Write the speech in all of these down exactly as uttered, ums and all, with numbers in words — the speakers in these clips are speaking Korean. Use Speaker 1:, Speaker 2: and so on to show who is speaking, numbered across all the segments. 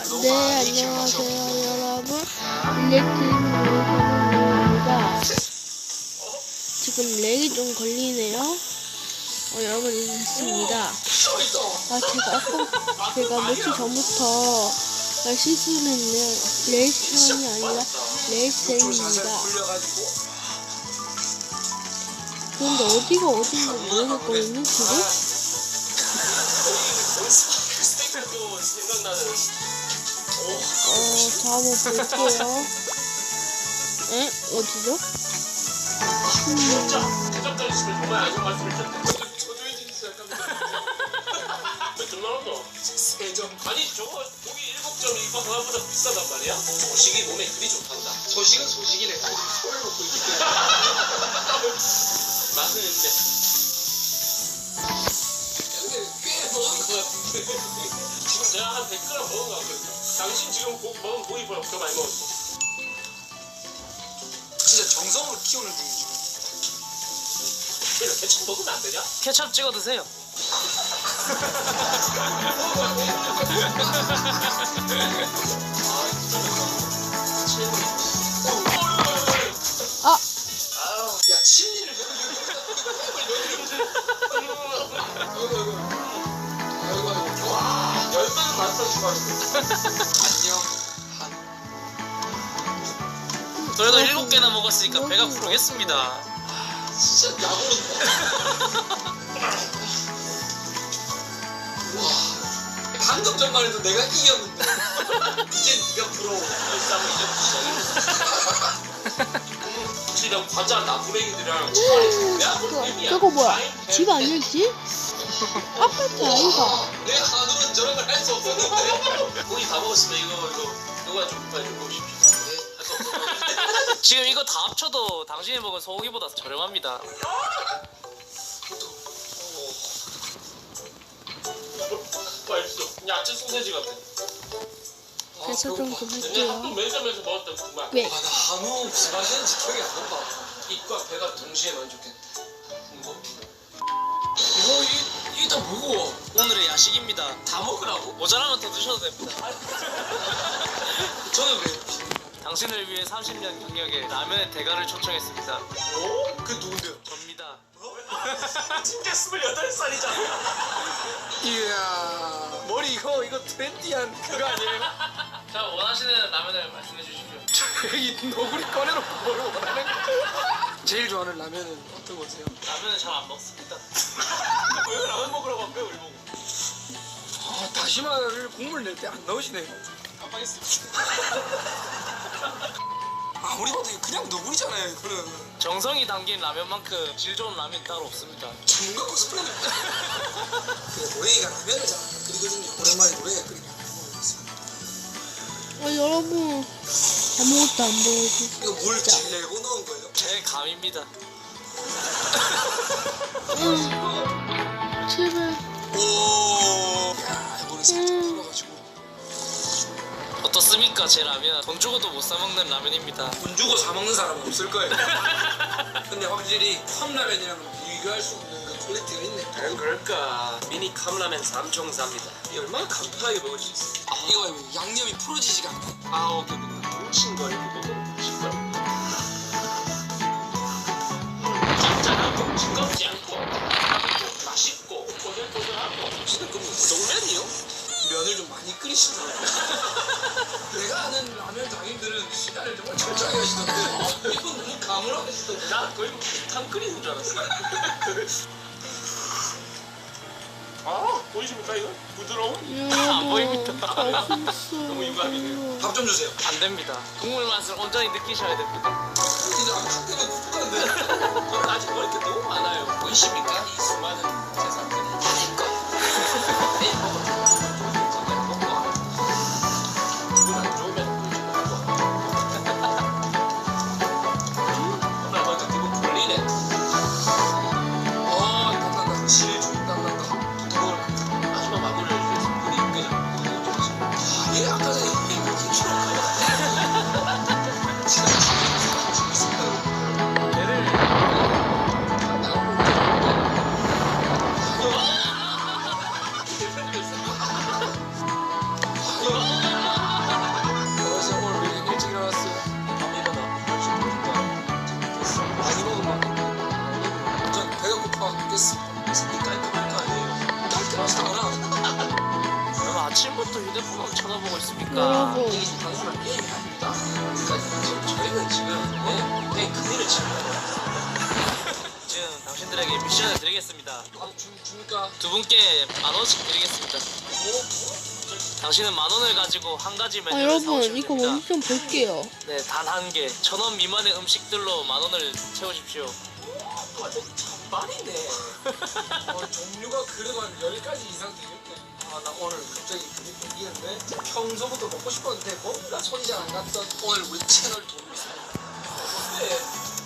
Speaker 1: 네, 안녕하세요 여러분, 일렉트릭입니다. 지금 렉이 좀 걸리네요. 어, 여러분 이제 됐습니다. 아, 제가 아까 제가 며칠 전부터 실수를 했네요. 레이스형이 아니라 레이스형입니다. 그런데 어디가 어딘지 모르겠거든요 지금. 어, 자, 한번 볼게요. 에? 어디죠? 음.
Speaker 2: 아니 저거 독이 일곱 점 이거 그거보다 비싸단 말이야? 소식이 몸에 그리 좋단다. 소식은 소식이네. 소를 먹고 있기 때문에. 맛은 있네. 근데 꽤 먹은 것 같은데. 지금 제가 한 백 그램 먹은 것 같거든요. 당신 지금 고, 먹은 고기보다 더 많이 먹었어. 진짜 정성으로 키우는 중이지. 그래 케첩 먹으면 안 되냐?
Speaker 3: 케첩 찍어 드세요.
Speaker 1: 아!
Speaker 2: 야, 침리를 와, 열매는 맛있어 추가했어. 안녕.
Speaker 3: 그래도 일곱 개나 먹었으니까 배가 부르겠습니다.
Speaker 2: 진짜 야구른다. 와, 방금 전만 해도 내가 이겼는데 이제 네가 부러워. 싸움 이제 시작이야. 과자 나부랭이들이랑
Speaker 1: 저거 뭐야? 집 아닐지? 아파트 아이가?
Speaker 2: 내 한우는 저런 걸 할 수 없었는데. 고기 다 먹었으면 이거 이거 이거 좀 빨리 좀 보십시오.
Speaker 3: 지금 이거 다 합쳐도 당신이 먹은 소고기보다 저렴합니다.
Speaker 2: 맛있어. 야채 소세지 같아.
Speaker 1: 그래서 좀 좀
Speaker 2: 근데
Speaker 1: 할게요.
Speaker 2: 한국 매점에서 먹었던 그 맛.
Speaker 1: 왜?
Speaker 2: 아, 나 한우 무슨 맛이었는지 기억이 안 난다. 입과 배가 동시에 만족했대. 뭐? 이거 이 이게 다 무거워.
Speaker 3: 오늘의 야식입니다.
Speaker 2: 다 먹으라고?
Speaker 3: 모자라면 더 드셔도 됩니다.
Speaker 2: 저는 왜?
Speaker 3: 당신을 위해 삼십 년 경력의 라면의 대가를 초청했습니다.
Speaker 2: 어? 그 누군데요?
Speaker 3: 접니다.
Speaker 2: 진짜 스물여덟 살이잖아. 이야. 머리 이거 이거 트렌디한 그거 아니에요?
Speaker 3: 자, 원하시는 라면을 말씀해 주십시오.
Speaker 2: 이 너구리 꺼내놓고 뭘 원하는 거야? 제일 좋아하는 라면은 어떤 거세요?
Speaker 3: 라면은 잘 안 먹습니다.
Speaker 2: 왜 라면 먹으라고 한 거야 우리 보고? 아 다시마를 국물 낼 때 안 넣으시네요. 깜빡했습니다. 아무리 봐도 이거 그냥 너구리잖아요 이거는.
Speaker 3: 정성이 담긴 라면만큼 질 좋은 라면이 따로 없습니다.
Speaker 2: 전문가 코스프레는 그 노래가 라면을 잘 끓이거든요. 오랜만에 노래가 끓이면 라면 먹었습니다.
Speaker 1: 어, 여러분 아무것도 안 보여줘.
Speaker 2: 이거 물 질내고 넣은 거예요?
Speaker 3: 제 감입니다.
Speaker 1: 응. 제발.
Speaker 2: 오. 야 이번에 살짝 풀어가지고.
Speaker 3: 어떻습니까? 제 라면 돈 주고도 못 사 먹는 라면입니다.
Speaker 2: 돈 주고 사 먹는 사람은 없을 거예요. 근데 확실히 컵라면이랑 비교할 수 없는 그 퀄리티가 있네.
Speaker 4: 과연 그럴까? 미니 컵라면 삼총사입니다. 이 얼마나 간편하게 먹을 수 있어?
Speaker 2: 아, 이거 양념이 풀어지지가 않나?
Speaker 4: 아, 오케이, 오케이. 뭉친거리고 먹으면 뭉친거리고. 짭짤하고 징겁지 않고 맛있고 꼬들꼬들하고 진짜 그 우동면이요?
Speaker 2: 면을 좀 많이 끓이시더라고요. 내가 아는 라면 장인들은 시간을 정말 철저하게 하시던데 이분 너무 가물하게 하시던데.
Speaker 4: 나 거의 탕 끓이는 줄 알았어. 아, 보이십니까 이거? 부드러운?
Speaker 3: 안 보입니다.
Speaker 4: 너무 유감이네요.
Speaker 2: 밥 좀 주세요.
Speaker 3: 안 됩니다. 국물 맛을 온전히 느끼셔야 됩니다.
Speaker 2: 이제 아무 때문에 국가인데.
Speaker 4: 저는 아직 먹을 게 너무 많아요. 보이십니까? 이 수많은 재산들이. 아닐 거. 내일 먹어. 정말 먹고. 기분 안 좋으면 꿀좀 먹고. 오늘 먼저 기분 풀리네.
Speaker 2: 어, 땀난다. 실주 땀난다.
Speaker 4: 이걸 마지막 마무리를 위해서 물이 끓여.
Speaker 2: 아, 얘 아까 전에 이게 몇 킬로인가요? 진짜 재밌습니다.
Speaker 4: 얘를
Speaker 2: 나오고.
Speaker 3: 언제부터 휴대폰을 쳐다보고 있습니까?
Speaker 1: 여러분
Speaker 2: 이게 지금 단순한 게임이 아닙니다. 그러니까 지금 저희는 지금 네, 네 큰일을 치고
Speaker 3: 지금 당신들에게 미션을 드리겠습니다.
Speaker 2: 아, 주, 주니까
Speaker 3: 두 분께 만 원씩 드리겠습니다.
Speaker 2: 뭐?
Speaker 3: 당신은 만 원을 가지고 한 가지
Speaker 1: 아
Speaker 3: 메뉴를
Speaker 1: 여러분
Speaker 3: 사오시면
Speaker 1: 이거
Speaker 3: 됩니다.
Speaker 1: 먼저 좀 볼게요.
Speaker 3: 네, 단 한 개. 천 원 미만의 음식들로 만 원을 채우십시오.
Speaker 2: 완전 잔반이네. 어, 종류가 그래도 한 열 가지 이상 되겠네. 아, 나 오늘 갑자기 그게 생기는데 평소부터 먹고 싶었는데 뭔가 손이 잘 안 갔던 오늘 우리 채널 도움이 있습니다. 근데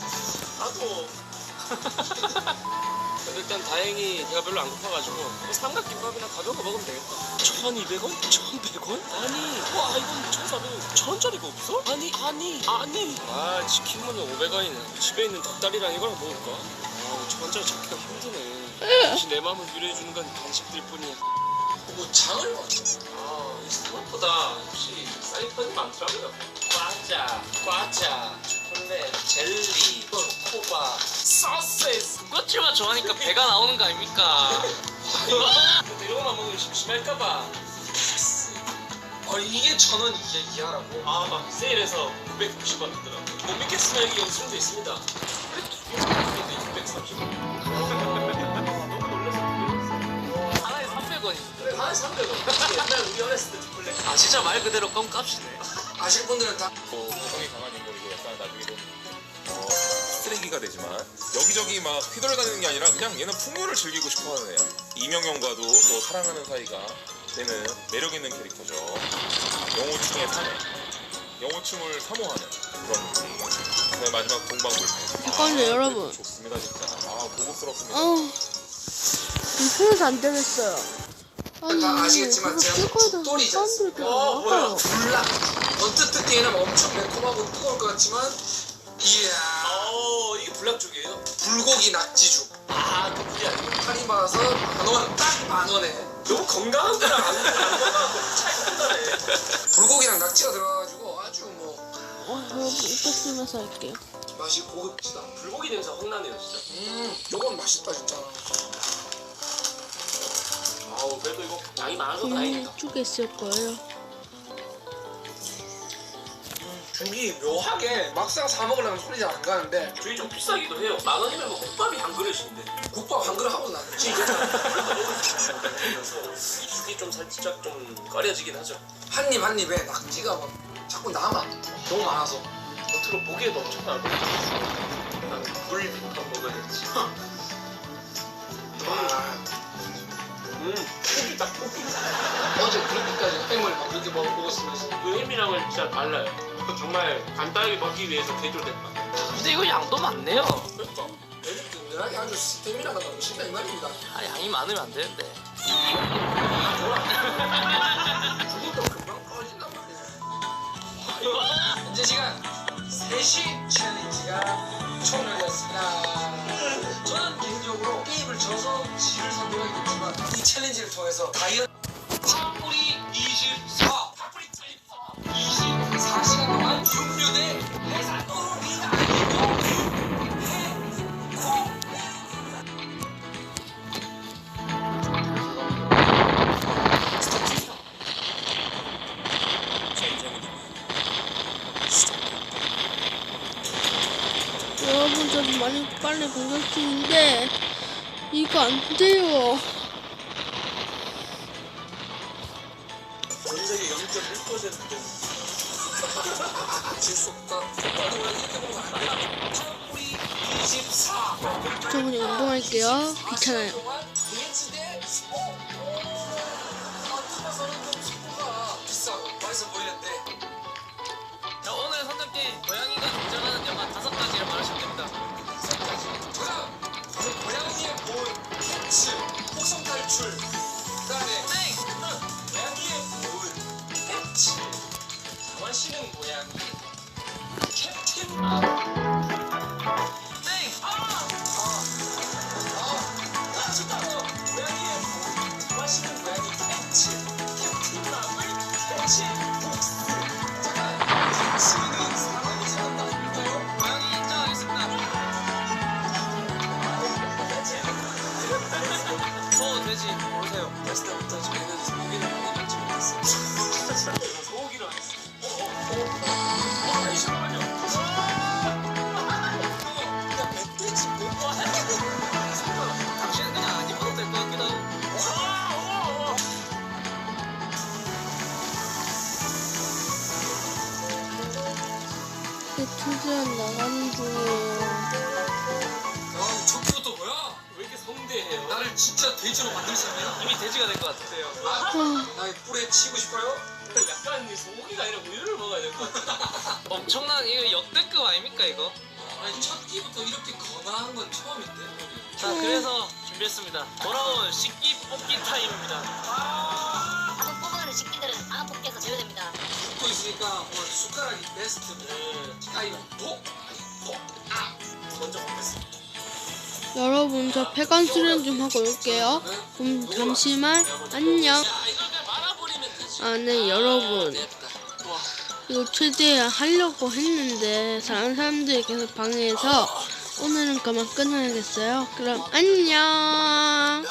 Speaker 2: 나도
Speaker 4: 일단 다행히 배가 별로 안 고파가지고 뭐 삼각김밥이나 가벼운 거 먹으면 되겠다. 천이백 원? 천백 원? 아니 와 이건 천사백 원 천원짜리가 없어? 아니 아니 아니 아 치킨은 오백 원이네. 집에 있는 닭다리랑 이거랑 먹을까? 아 천원짜리 찾기가 힘드네. 혹시 내 마음을 위로해주는 건 간식들 뿐이야.
Speaker 2: 뭐 장을 봐.
Speaker 4: 아 생각보다 혹시 사이판이 많더라고요. 과자, 과자, 초콜릿, 젤리, 초코바, 소세지.
Speaker 3: 군것질만 좋아하니까 배가 나오는 거 아닙니까?
Speaker 4: 근데 이런 것만 먹으면 심심할까봐.
Speaker 2: 아, 이게 천 원 이게 이하라고?
Speaker 4: 아 막 세일해서 구백육십 원 하더라고. 못 믿겠으나 여기 영수증도 있습니다. 근데 육백삼십 원. 너무 놀라서 놀랐어.
Speaker 3: 하나에 삼백 원이.
Speaker 2: 그래, 한 삼백 원.
Speaker 4: 옛날 우리 어렸을 때 초콜릿.
Speaker 3: 아 진짜 말 그대로 껌값이네.
Speaker 2: 아실 분들은 다
Speaker 5: 뭐 개성이 강한 인물이고 약간 나중에는 어, 쓰레기가 되지만 여기저기 막 휘돌아다니는 게 아니라 그냥 얘는 풍요를 즐기고 싶어하는 애야. 이명영과도 또 사랑하는 사이가 되는 매력 있는 캐릭터죠. 영호충의 사내, 영호충을 사모하는 그런 느낌. 그다음에 마지막 동방불패.
Speaker 1: 잠깐만요,
Speaker 5: 아,
Speaker 1: 여러분.
Speaker 5: 좋습니다 진짜. 아 고급스럽습니다.
Speaker 1: 아우 불편해서 안 되겠어요. 아니
Speaker 2: 다 아시겠지만
Speaker 1: 그거
Speaker 2: 제가
Speaker 1: 끌고
Speaker 2: 독돌이지
Speaker 1: 사람들 그냥
Speaker 2: 어, 뭐야?
Speaker 1: 나가요.
Speaker 2: 불락. 언뜻 듣기에는 엄청 매콤하고 뜨거울 것 같지만 이야
Speaker 4: 어 이게 불락 쪽이에요?
Speaker 2: 불고기 낙지죽
Speaker 4: 아 그게 아니고
Speaker 2: 할인 받아서 만원 딱 만원에
Speaker 4: 너무 건강한 거랑 안, 안 건강한 거 차이가 큰다네.
Speaker 2: 불고기랑 낙지가 들어가가지고 아주 뭐
Speaker 1: 어, 여러분 이따 쓰면서 할게요.
Speaker 2: 맛이 고급지다.
Speaker 4: 불고기 냄새 확 나네요 진짜.
Speaker 2: 음 요건 맛있다 진짜.
Speaker 4: 아우 그래도 이거 양이 많아서
Speaker 1: 음,
Speaker 4: 다행이다.
Speaker 1: 이쪽에 있을 거예요.
Speaker 2: 죽이 묘하게 막상 사 먹으려면 손이 잘 안 가는데
Speaker 4: 저희 좀 비싸기도 해요. 만 원이면 뭐 국밥이 한 그릇인데.
Speaker 2: 국밥 한 그릇 하고 나는
Speaker 4: 지금 이 죽이 좀 살짝 좀 꺼려지긴 하죠.
Speaker 2: 한입 한 입에 낙지가 막 자꾸 남아. 너무 많아서.
Speaker 4: 겉으로 보기에도 엄청 나고. 물부터 먹어야지.
Speaker 2: 아,
Speaker 4: 음, 고기 딱 고기.
Speaker 2: 어제 그렇게까지 햄을 막 그렇게 먹- 먹었으면서
Speaker 4: 그 햄이랑은 진짜 달라요. 정말 간단하게 먹기 위해서 개조된 맛.
Speaker 3: 근데 이거 양도 많네요.
Speaker 4: 그러니까.
Speaker 2: 애들 든든하게 아주 스테미나가 넘친다 이 말입니다.
Speaker 3: 아, 양이 많으면 안 되는데.
Speaker 2: 죽은 또 금방 꺼진단 말이야. 현재 시간 세 시 챌린지가 종료되었습니다. 저는 개인적으로 게임을 져서 지를 선택하겠지만 이 챌린지를 통해서 다이어트 파뿌리 이십사 파뿌리 이십사 시간 동안 육류대 해산도로 리가
Speaker 1: 여러분 저도 많이 빨리 공격 중인데 이거 안 돼요.
Speaker 4: 전 세계 영 점 일 퍼센트.
Speaker 2: 질수 없다. 똑바로 이렇게 보면 안 돼. 파뿌리 이십사
Speaker 1: 저 그냥 운동할게요. 귀찮아요.
Speaker 2: 비엔츠대 스포. 아, 뜯어서는 좀 스포가 비싸고 맛있어 보이는데.
Speaker 3: 자, 오늘 선택된 고양이가 등장하는 영화 다섯 가지를 말하시면 됩니다.
Speaker 2: 다음, 저는 고양이의 볼, 캐츠, 혹성 탈출. 그다음에
Speaker 3: 땡!
Speaker 2: 고양이의 볼, 캐츠,
Speaker 4: 원시는 고양이.
Speaker 2: 캡틴.
Speaker 3: 땡!
Speaker 2: 아, 아, 진짜 고양이의 볼, 맛있는 고양이 캐츠, 캡틴 마블, 캐츠, 복스. 잠깐, 캐츠는 사람이 사는다니까요.
Speaker 3: 고양이 인정하겠습니다. 소, 돼지, 고르세요.
Speaker 2: 어렸을 때부터 저희는 고기를 많이 먹지 못했어요.
Speaker 1: 이렇게 최대한 나가는 중이에요.
Speaker 2: 아, 저기부터 뭐야?
Speaker 3: 왜 이렇게 성대해요?
Speaker 2: 나를 진짜 돼지로 만들 사람이야?
Speaker 3: 이미 돼지가 된 것 같은데요.
Speaker 1: 아,
Speaker 2: 나의 뿔에 치고 싶어요?
Speaker 3: 약간 이 소고기가 아니라 우유를 먹어야 될 것 같아. 엄청난 이거 역대급 아닙니까 이거?
Speaker 2: 아니 첫 끼부터 이렇게 건강한 건 처음인데.
Speaker 3: 자 그래서 준비했습니다. 돌아온 식기 뽑기 타임입니다.
Speaker 6: 한번 뽑아가는 식기들은 다음 뽑기에서 제외됩니다.
Speaker 2: 붙고 있으니까 오늘 숟가락이 베스트. 가위바위보. 아.
Speaker 3: 먼저 뽑겠습니다.
Speaker 1: 여러분 저 폐관 수련 좀 하고 올게요. 음, 잠시만 안녕.
Speaker 3: 야 이걸 그냥 말아버리면 되지.
Speaker 1: 아, 네 여러분
Speaker 3: 좋아.
Speaker 1: 이거 최대한 하려고 했는데 다른 사람들이 계속 방해해서 오늘은 그만 끊어야겠어요. 그럼 안녕.